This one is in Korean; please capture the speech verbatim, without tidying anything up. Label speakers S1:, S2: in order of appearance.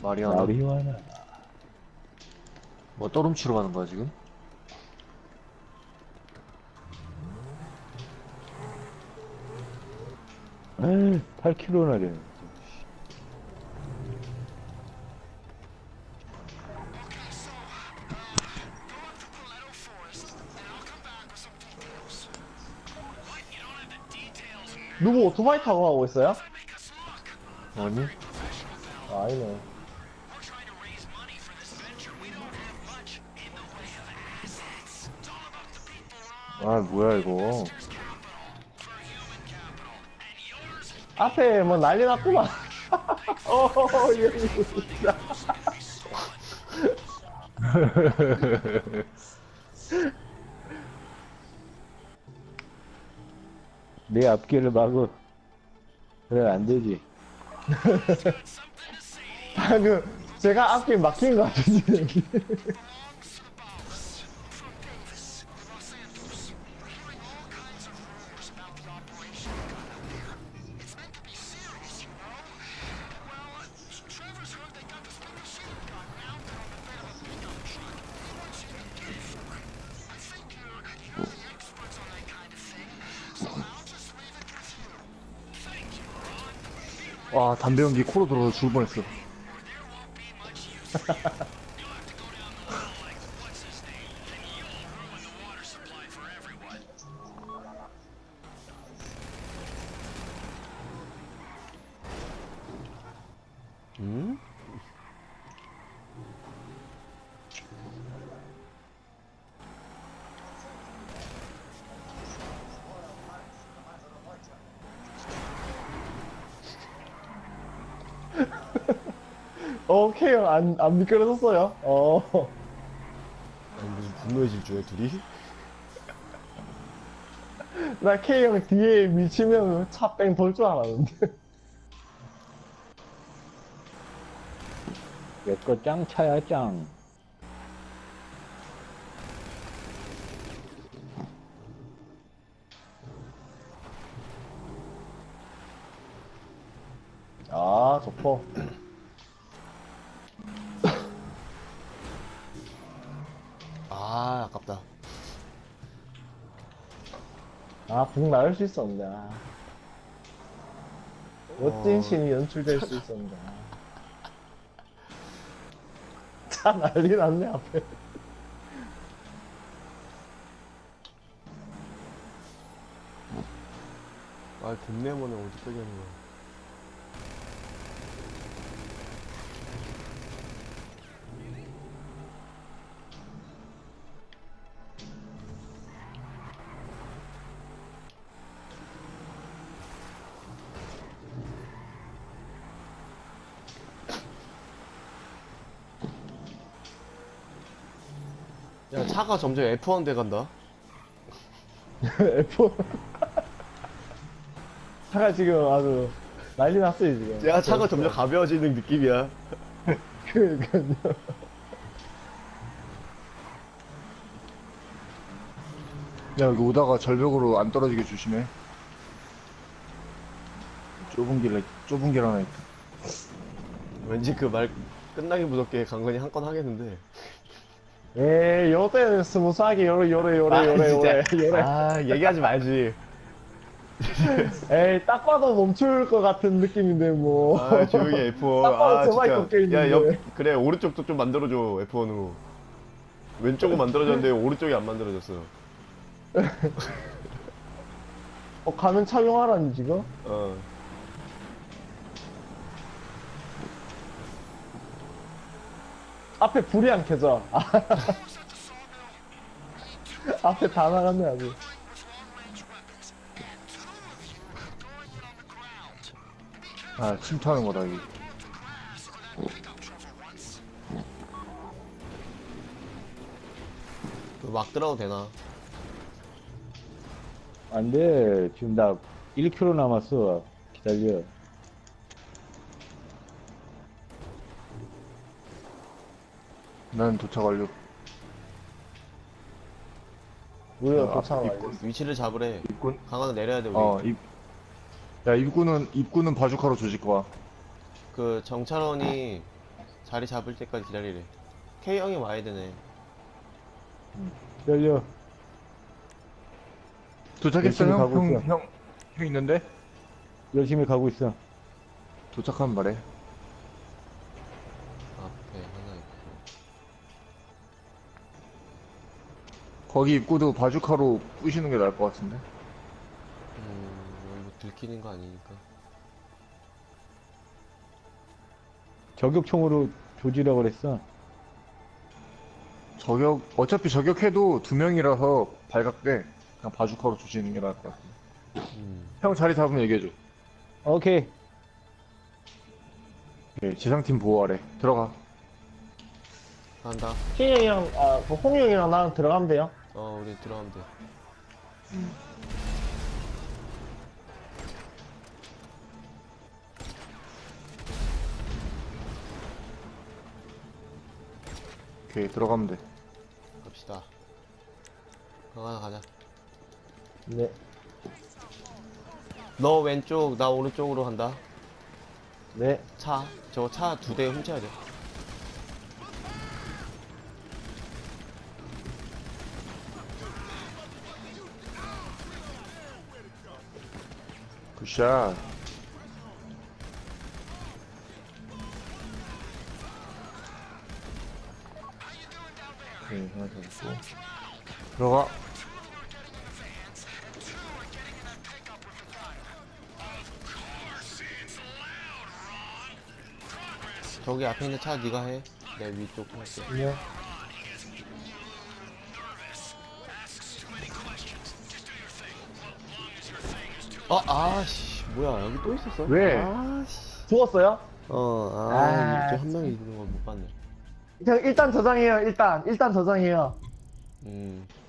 S1: 마리아나.
S2: 마리화나.
S1: 뭐 떠름치러 가는 거야 지금?
S2: 에이, 팔 킬로미터나 되네.
S3: 누구 오토바이 타고 가고 있어요?
S1: 아니?
S3: 아, 아니네.
S2: 아, 뭐야, 이거.
S3: 앞에 뭐 난리 났구만. 어, 예, 진짜.
S2: 내 앞길을 막어. 그래, 안 되지.
S3: 방금 제가 앞길 막힌 것 같은데.
S1: 와 담배 연기 코로 들어서 죽을 뻔했어.
S4: 음?
S3: 오케이, 안, 안 미끄러졌어요. 어.
S4: 아니, 무슨 분노의 질주야 둘이?
S3: 나 K형 뒤에 미치면 차 뺑 돌 줄 알았는데.
S2: 내거 짱차야, 짱.
S3: 아, 좋고.
S4: 아 아깝다.
S3: 아, 북 나을 수 있었는데. 아. 멋진
S4: 어.
S3: 신이 연출될 수 있었는데. 아. 차 난리 났네, 앞에.
S4: 아 곰내모네 어디 빼겠는 거야. 야 차가 점점 에프 원 돼 간다.
S3: F. 차가 지금 아주 난리 났어요, 지금.
S4: 야 차가 점점 가벼워지는 느낌이야.
S3: 그러니까요.
S1: 야 여기 오다가 절벽으로 안 떨어지게 조심해. 좁은 길 좁은 길 하나 있다.
S4: 왠지 그 말 끝나기 무섭게 강건이 한 건 하겠는데.
S3: 에이, 요때는 스무스하게 요래, 요래, 요래,
S4: 아,
S3: 요래, 요래,
S4: 진짜.
S3: 요래.
S4: 아 얘기하지 말지.
S3: 에이, 딱 봐도 멈출 것 같은 느낌인데, 뭐.
S4: 아 조용히 에프 원.
S3: 딱 봐도
S4: 아
S3: 저만이
S4: 진짜.
S3: 꺾여있는데.
S4: 야 옆 그래 오른쪽도 좀 만들어줘 에프 원으로. 왼쪽은 만들어졌는데 오른쪽이 안 만들어졌어.
S3: 어, 가면 착용하라니, 지금?
S4: 어.
S3: 앞에 불이 안 켜져. 앞에 다 나갔네, 아주.
S1: 아 침투하는 거다 여기.
S4: 막 들어도 되나?
S2: 안 돼. 지금 나 일 킬로미터 남았어. 기다려.
S1: 난 도착 완료.
S3: 우리가
S1: 아,
S3: 도착을
S1: 입구.
S3: 알렸어.
S4: 위치를 잡으래.
S1: 입군.
S4: 강화는 내려야 돼 우리.
S1: 어 입. 야 입구는 입구는 바주카로 조질 거야.
S4: 그 정찰원이 자리 잡을 때까지 기다리래. K 형이 와야 되네.
S2: 열려.
S1: 도착했어
S2: 열심히
S1: 형?
S2: 가고
S1: 형,
S2: 있어.
S1: 형, 형 있는데?
S2: 열심히 가고 있어.
S1: 도착하면 말해.
S4: 앞에 하나 있고.
S1: 거기 입구도 바주카로 부시는 게 나을 것 같은데?
S4: 음, 뭐 들키는 거 아니니까.
S2: 저격총으로 조지라고 그랬어.
S1: 저격, 어차피 저격해도 두 명이라서 발각돼. 그냥 바주카로 조지는 게 나을 것 같은데.
S4: 음.
S1: 형 자리 잡으면 얘기해줘.
S2: 오케이.
S1: 네, 지상팀 보호하래. 들어가.
S4: 간다.
S3: K 형이랑, 아, 그 홍이 형이랑 나랑 들어가면 돼요.
S4: 어, 우리 들어가면 돼.
S1: 오케이, 들어가면 돼.
S4: 갑시다. 가자, 가자.
S3: 네.
S4: 너 왼쪽, 나 오른쪽으로 간다.
S3: 네.
S4: 차. 저거 차 두 대 훔쳐야 돼.
S1: 굿샷. 오케이, 하나 잡고. 들어가.
S4: 저기 앞에 있는 차 네가 해. 내 위쪽 할게.
S3: 네.
S4: 어, 아씨, 뭐야, 여기 또 있었어?
S1: 왜?
S4: 아씨.
S3: 죽었어요?
S4: 어, 아,
S3: 아,
S4: 이쪽 한 명이 있는 걸 못 봤네.
S3: 형, 일단 저장해요, 일단. 일단 저장해요.
S4: 음.